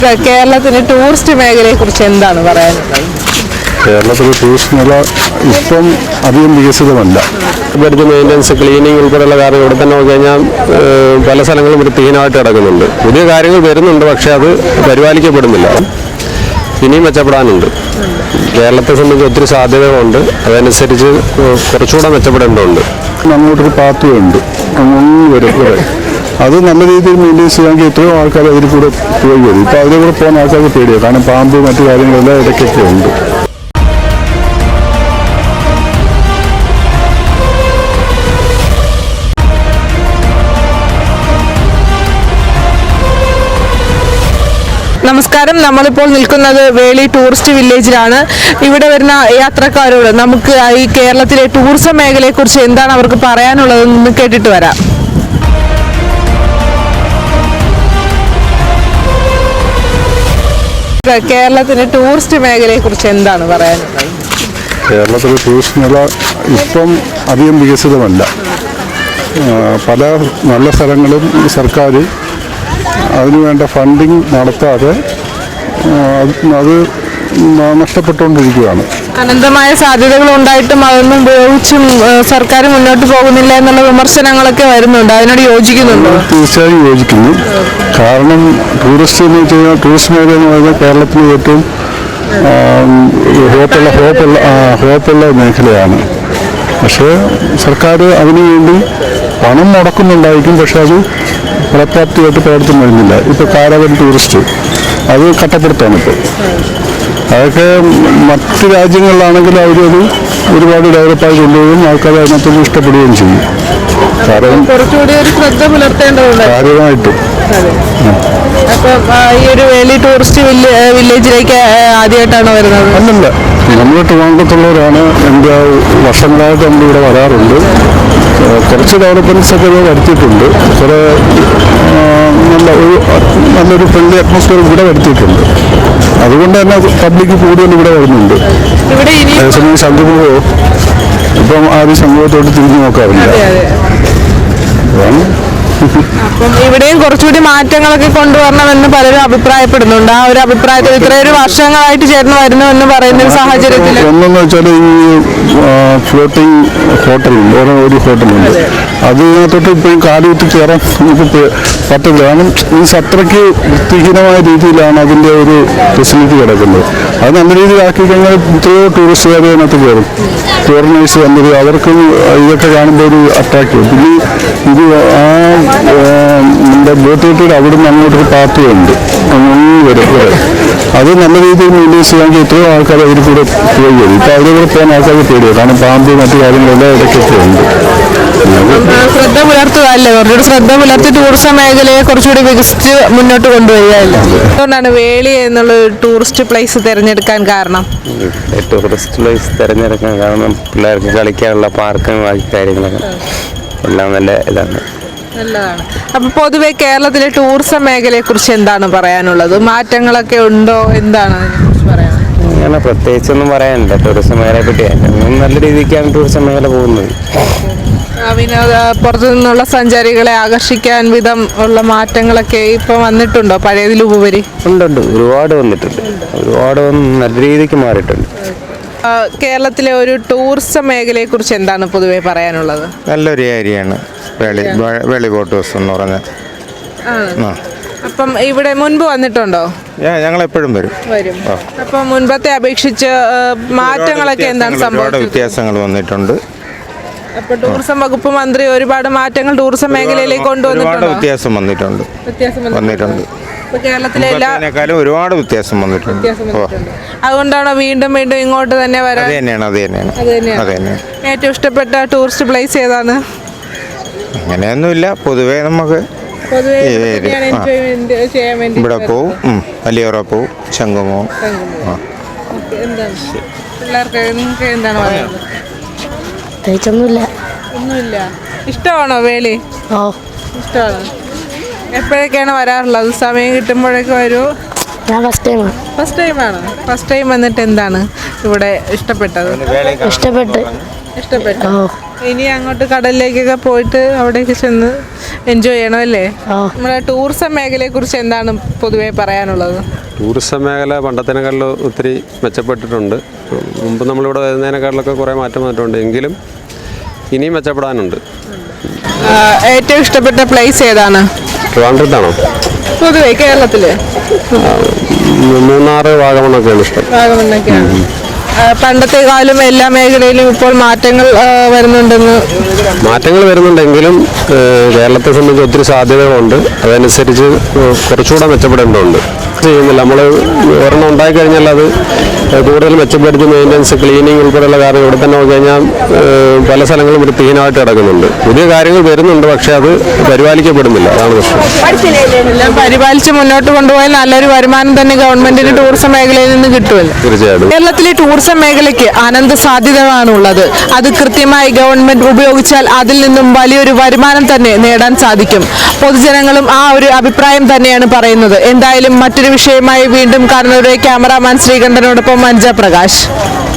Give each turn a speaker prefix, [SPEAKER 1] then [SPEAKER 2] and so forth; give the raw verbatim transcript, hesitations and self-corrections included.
[SPEAKER 1] കേരളത്തിലെ ടൂറിസ്റ്റ് മേഖലയെ കുറിച്ച് എന്താണ് പറയാനുള്ളത്?
[SPEAKER 2] കേരളത്തിലെ ടൂറിസ്റ്റ് മേഖല ഇപ്പം അധികം വികസിതമല്ല.
[SPEAKER 3] ഇവിടുത്തെ മെയിൻ്റനൻസ്, ക്ലീനിങ് ഉൾപ്പെടെയുള്ള കാര്യങ്ങൾ ഇവിടെ തന്നെ നോക്കി കഴിഞ്ഞാൽ പല സ്ഥലങ്ങളും വൃത്തിഹീനമായിട്ട് കിടക്കുന്നുണ്ട്. പുതിയ കാര്യങ്ങൾ വരുന്നുണ്ട്, പക്ഷേ അത് പരിപാലിക്കപ്പെടുന്നില്ല. ഇനിയും മെച്ചപ്പെടാനുണ്ട്. കേരളത്തെ സംബന്ധിച്ച് ഒത്തിരി സാധ്യതകളുണ്ട്. അതനുസരിച്ച് കുറച്ചുകൂടെ മെച്ചപ്പെടേണ്ടതുണ്ട്.
[SPEAKER 2] അങ്ങോട്ടൊരു പാത്തുണ്ട് വരും ഇവിടെ, അത് നല്ല രീതിയിൽ മെയിൻറ്റെയിൻ ചെയ്യാമെങ്കിൽ എത്രയോ ആൾക്കാർ അതിൽ കൂടെ പോയി വരും. ഇപ്പോൾ അതിൽ കൂടെ പോകുന്ന ആൾക്കാർക്ക് പേടിയാണ്, കാരണം പാമ്പ് മറ്റു കാര്യങ്ങളെല്ലാം ഇടയ്ക്കൊക്കെ ഉണ്ട്.
[SPEAKER 1] നമസ്കാരം, നമ്മളിപ്പോൾ നിൽക്കുന്നത് വേളി ടൂറിസ്റ്റ് വില്ലേജിലാണ്. ഇവിടെ വരുന്ന യാത്രക്കാരോട് നമുക്ക് ഈ കേരളത്തിലെ ടൂറിസം മേഖലയെ കുറിച്ച് എന്താണ് അവർക്ക് പറയാനുള്ളതെന്ന് കേട്ടിട്ട് വരാം. കേരളത്തിലെ ടൂറിസ്റ്റ് മേഖലയെ കുറിച്ച് എന്താണ് പറയാനുള്ളത്?
[SPEAKER 2] കേരളത്തിലെ ടൂറിസ്റ്റ് മേഖല ഇപ്പം അധികം വികസിതമല്ല. പല നല്ല സ്ഥലങ്ങളും സർക്കാർ അതിനുവേണ്ട ഫണ്ടിങ് നടത്താതെ അത് നഷ്ടപ്പെട്ടുകൊണ്ടിരിക്കുകയാണ്.
[SPEAKER 1] അനന്തമായ സാധ്യതകൾ ഉണ്ടായിട്ടും അതൊന്നും ഉപയോഗിച്ചും സർക്കാർ മുന്നോട്ട് പോകുന്നില്ല എന്നുള്ള വിമർശനങ്ങളൊക്കെ വരുന്നുണ്ട്. അതിനോട് യോജിക്കുന്നുണ്ടോ?
[SPEAKER 2] തീർച്ചയായും യോജിക്കുന്നു. കാരണം ടൂറിസ്റ്റ് എന്ന് വെച്ച് കഴിഞ്ഞാൽ ടൂറിസ്റ്റ് മേഖല എന്ന് പറയുന്നത് കേരളത്തിൽ ഏറ്റവും ഹോപ്പുള്ള ഹോപ്പുള്ള ഹോപ്പുള്ള മേഖലയാണ്. പക്ഷേ സർക്കാർ അതിനു വേണ്ടി പണം മുടക്കുന്നുണ്ടായിരിക്കും, പക്ഷെ അത് ഫലപ്രാപ്തിയായിട്ട് പ്രവർത്തനം വരുന്നില്ല. ഇപ്പോൾ കാരവൻ ടൂറിസ്റ്റ് അത് കട്ടപ്പെടുത്താണ് ഇപ്പോൾ. അതൊക്കെ മറ്റ് രാജ്യങ്ങളിലാണെങ്കിൽ അവരത് ഒരുപാട് ഡെവലപ്പായി കൊണ്ടുപോകും, ആൾക്കാർ അതിനകത്തൊന്നും ഇഷ്ടപ്പെടുകയും ചെയ്യും. കാരണം
[SPEAKER 1] കുറച്ചുകൂടി ഒരു ശ്രദ്ധ പുലർത്തേണ്ടതുണ്ട്
[SPEAKER 2] കാര്യമായിട്ടും.
[SPEAKER 1] അപ്പം ഈ ഒരു വേലി ടൂറിസ്റ്റ് വില്ലേജിലേക്ക് ആദ്യമായിട്ടാണ് വരുന്നത്?
[SPEAKER 2] അല്ലല്ല, നമ്മൾ ട്രിവാൻഡ്രത്തുള്ളവരാണ്. എൻ്റെ വർഷങ്ങളായിട്ട് നമ്മളിവിടെ വരാറുണ്ട്. കുറച്ച് ഡെവലപ്മെൻറ്റ്സ് ഒക്കെ ഇവിടെ വരുത്തിയിട്ടുണ്ട്. കുറേ നല്ല ഒരു നല്ലൊരു ഫ്രണ്ട്ലി അറ്റ്മോസ്ഫിയർ ഇവിടെ വരുത്തിയിട്ടുണ്ട്. അതുകൊണ്ട് തന്നെ പബ്ലിക് കൂടുതൽ ഇവിടെ വരുന്നുണ്ട്. അതേസമയം സംഗമമോ ഇപ്പം ആരും സംഗമത്തോട്ട് തിരിഞ്ഞു നോക്കാറില്ല. അതാണ്.
[SPEAKER 1] അപ്പം ഇവിടെയും കുറച്ചുകൂടി മാറ്റങ്ങളൊക്കെ കൊണ്ടുവരണമെന്ന് പലരും അഭിപ്രായപ്പെടുന്നുണ്ട്. ആ ഒരു അഭിപ്രായത്തിൽ ഇത്രയൊരു വർഷങ്ങളായിട്ട് ചേർന്ന് വരുന്നു എന്ന് പറയുന്ന ഒരു സാഹചര്യത്തിൽ
[SPEAKER 2] ഒന്നെന്ന് വെച്ചാൽ ഈ ഫ്ലോട്ടിംഗ് ഹോട്ടൽ വേറെ ഒരു ഹോട്ടലുണ്ട്, അതിനകത്തോട്ട് ഇപ്പോഴും കാലുകുത്തി കയറാൻ നമുക്ക് പറ്റില്ല. കാരണം മീൻസ് അത്രയ്ക്ക് വൃത്തിഹീനമായ രീതിയിലാണ് അതിൻ്റെ ഒരു ഫെസിലിറ്റി കിടക്കുന്നത്. അത് നല്ല രീതിയിലാക്കി കഴിഞ്ഞാൽ എത്രയോ ടൂറിസ്റ്റുകാർ അതിനകത്ത് കയറും. ഫോറിനേഴ്സ് വന്നത് അവർക്ക് ഇതൊക്കെ കാണുമ്പോൾ ഒരു അട്രാക്റ്റീവ്. പിന്നെ ഇത് ആ നമ്മുടെ ബോട്ടിൽ അവിടെ നിന്ന് അങ്ങോട്ടൊരു പാത്തുണ്ട് വരും വരെ, അത് നല്ല രീതിയിൽ മെയിൻറ്റെയിൻ ചെയ്യാമെങ്കിൽ എത്രയോ ആൾക്കാർ അതിൽ കൂടെ പോയി വരും. ഇപ്പോൾ അതിൽ കൂടെ പോകുന്ന ആൾക്കാർക്ക് പേടിയാണ്, കാരണം പാമ്പ് മറ്റു കാര്യങ്ങളെല്ലാം ഇടയ്ക്കൊക്കെ ഉണ്ട്.
[SPEAKER 1] ശ്രദ്ധ പുലർത്തുക അല്ലേ, കുറച്ചുകൂടി ശ്രദ്ധ പുലർത്തി ടൂറിസം മേഖലയെ കുറച്ചുകൂടി വികസിച്ച് മുന്നോട്ട് കൊണ്ടുവരികയല്ലേ. അതുകൊണ്ടാണ് വേളി എന്നുള്ള ടൂറിസ്റ്റ് പ്ലേസ് തിരഞ്ഞെടുക്കാൻ കാരണം?
[SPEAKER 3] ടൂറിസ്റ്റ് പ്ലേസ് തിരഞ്ഞെടുക്കാൻ കാരണം പിള്ളേർക്ക് കളിക്കാനുള്ള പാർക്കും ബാക്കി കാര്യങ്ങളൊക്കെ എല്ലാം നല്ല ഇതാണ്,
[SPEAKER 1] നല്ലതാണ്. അപ്പൊ പൊതുവെ കേരളത്തിലെ ടൂറിസം മേഖലയെ കുറിച്ച് എന്താണ് പറയാനുള്ളത്? മാറ്റങ്ങളൊക്കെ ഉണ്ടോ? എന്താണ് അതിനെക്കുറിച്ച് പറയാനുള്ളത്?
[SPEAKER 3] അങ്ങനെ പ്രത്യേകിച്ചൊന്നും പറയാനില്ല ടൂറിസം മേഖലയെ പറ്റി. നല്ല രീതിക്കാണ് ടൂറിസം മേഖല പോകുന്നത്.
[SPEAKER 1] വിനോദ പുറത്തു നിന്നുള്ള സഞ്ചാരികളെ ആകർഷിക്കാൻ വിധം ഉള്ള മാറ്റങ്ങളൊക്കെ ഇപ്പൊ വന്നിട്ടുണ്ടോ പഴയതിലുപരി?
[SPEAKER 3] ഉണ്ടുണ്ട്, ഒരുപാട് വന്നിട്ടുണ്ട്. ഒരുപാട് നല്ല രീതിക്ക് മാറിയിട്ടുണ്ട്.
[SPEAKER 1] കേരളത്തിലെ ഒരു ടൂറിസം മേഖലയെ കുറിച്ച് എന്താണ് പൊതുവെ പറയാനുള്ളത്?
[SPEAKER 4] നല്ലൊരു ഏരിയയാണ് വേളി വേളി ബോട്ട് ഹൗസ് എന്ന് പറഞ്ഞാൽ.
[SPEAKER 1] അപ്പം ഇവിടെ മുൻപ് വന്നിട്ടുണ്ടോ?
[SPEAKER 4] ഞങ്ങൾ എപ്പോഴും വരും
[SPEAKER 1] വരും അപ്പം മുൻപത്തെ അപേക്ഷിച്ച് മാറ്റങ്ങളൊക്കെ എന്താണ് സംഭവിച്ചത്?
[SPEAKER 4] വ്യത്യാസങ്ങൾ വന്നിട്ടുണ്ട്.
[SPEAKER 1] അപ്പൊ ടൂറിസം വകുപ്പ് മന്ത്രി ഒരുപാട് മാറ്റങ്ങൾ ടൂറിസം മേഖലയിലേക്ക് കൊണ്ടുവന്നിട്ടുണ്ട്.
[SPEAKER 4] വ്യത്യാസം വന്നിട്ടുണ്ട് വന്നിട്ടുണ്ട് കേരളത്തിലെ ഒരുപാട് വ്യത്യാസം വന്നിട്ടുണ്ട്.
[SPEAKER 1] അതുകൊണ്ടാണോ വീണ്ടും വീണ്ടും ഇങ്ങോട്ട് തന്നെ വരാൻ?
[SPEAKER 4] അത് തന്നെയാണ് അത് തന്നെയാണ് അത് തന്നെയാണ്.
[SPEAKER 1] ഏറ്റവും ഇഷ്ടപ്പെട്ട ടൂറിസ്റ്റ് പ്ലേസ് ഏതാണ്?
[SPEAKER 4] അങ്ങനെയൊന്നുമില്ല, പൊതുവേ നമുക്ക് ഇവിടെ പോവും, വലിയോറ പോവും, ശംഖുമോ.
[SPEAKER 1] പിള്ളേർക്ക് എന്താണ് പറയുന്നത്?
[SPEAKER 5] പ്രത്യേകിച്ചൊന്നുമില്ല.
[SPEAKER 1] ഒന്നുമില്ല. ഇഷ്ടമാണോ വേളി?
[SPEAKER 5] ഓ
[SPEAKER 1] ഇഷ്ടമാണ്. എപ്പോഴൊക്കെയാണ് വരാറുള്ളത്? സമയം കിട്ടുമ്പോഴൊക്കെ വരൂ?
[SPEAKER 5] ഞാൻ ഫസ്റ്റ് ടൈമാണ്.
[SPEAKER 1] ഫസ്റ്റ് ടൈമാണ്. ഫസ്റ്റ് ടൈം വന്നിട്ട് എന്താണ് ഇവിടെ ഇഷ്ടപ്പെട്ടത്?
[SPEAKER 5] ഇഷ്ടപ്പെട്ട്
[SPEAKER 1] ഇഷ്ടപ്പെട്ടു.
[SPEAKER 5] ഓ
[SPEAKER 1] ഇനി അങ്ങോട്ട് കടലിലേക്കൊക്കെ പോയിട്ട് അവിടേക്ക് ചെന്ന് എൻജോയ് ചെയ്യണമല്ലേ?
[SPEAKER 5] ഓ
[SPEAKER 1] നമ്മുടെ ടൂറിസം മേഖലയെ കുറിച്ച് എന്താണ് പൊതുവെ പറയാനുള്ളത്?
[SPEAKER 3] ടൂറിസം മേഖല പണ്ടത്തേക്കാളിൽ ഒത്തിരി മെച്ചപ്പെട്ടിട്ടുണ്ട്. മുമ്പ് നമ്മളിവിടെ വരുന്നതിനേക്കാളിലൊക്കെ കുറേ മാറ്റം വന്നിട്ടുണ്ട്. എങ്കിലും ഇനിയും മെച്ചപ്പെടാനുണ്ട്.
[SPEAKER 1] ആ, ഏറ്റവും ഇഷ്ടപ്പെട്ട പ്ലേസ് ഏതാണ്
[SPEAKER 3] ട്രിവാൻഡ്രത്താണോ?
[SPEAKER 1] പൊതുവെ കേരളത്തില്?
[SPEAKER 3] മൂന്നാറ്, വാഗമണ്ണൊക്കെയാണ് ഇഷ്ടം.
[SPEAKER 1] വാഗമണ്ണൊക്കെയാണ്. ആ, പണ്ടത്തെ കാലം എല്ലാ മേഖലയിലും ഇപ്പോൾ മാറ്റങ്ങൾ ആ, വരുന്നുണ്ടെന്ന്.
[SPEAKER 3] മാറ്റങ്ങൾ വരുന്നുണ്ടെങ്കിലും ഏഹ്, കേരളത്തെ സംബന്ധിച്ച് ഒത്തിരി സാധ്യതകളുണ്ട്. അതനുസരിച്ച് കുറച്ചുകൂടെ മെച്ചപ്പെടേണ്ടതുണ്ട്. ചെയ്യുന്നില്ല നമ്മൾ ഒരെണ്ണം ഉണ്ടായിക്കഴിഞ്ഞാൽ അത് കൂടുതൽ മെച്ചപ്പെടുത്തി മെയിൻ്റനൻസ്, ക്ലീനിങ് ഉൾപ്പെടെയുള്ള കാര്യങ്ങൾ ഇവിടെ തന്നെ നോക്കി കഴിഞ്ഞാൽ ഏഹ്, പല സ്ഥലങ്ങളും വൃത്തിഹീനമായിട്ട് കിടക്കുന്നുണ്ട്. പുതിയ കാര്യങ്ങൾ വരുന്നുണ്ട്, പക്ഷേ അത് പരിപാലിക്കപ്പെടുന്നില്ല. അതാണ് പ്രശ്നം.
[SPEAKER 1] എല്ലാം പരിപാലിച്ച് മുന്നോട്ട് കൊണ്ടുപോയാൽ നല്ലൊരു വരുമാനം തന്നെ ഗവൺമെന്റിന് ടൂറിസം മേഖലയിൽ നിന്ന് കിട്ടുമല്ലോ.
[SPEAKER 3] തീർച്ചയായിട്ടും
[SPEAKER 1] കേരളത്തിലെ ടൂറിസം മേഖലയ്ക്ക് അനന്ത സാധ്യതകളാണുള്ളത്. അത് കൃത്യമായി ഗവൺമെന്റ് ഉപയോഗിച്ചാൽ അതിൽ നിന്നും വലിയൊരു വരുമാനം തന്നെ നേടാൻ സാധിക്കും. പൊതുജനങ്ങളും ആ ഒരു അഭിപ്രായം തന്നെയാണ് പറയുന്നത്. എന്തായാലും മറ്റൊരു വിഷയമായി വീണ്ടും കാണുന്നവരെ ക്യാമറാമാൻ ശ്രീകണ്ഠനോടൊപ്പം മഞ്ജ പ്രകാശ്.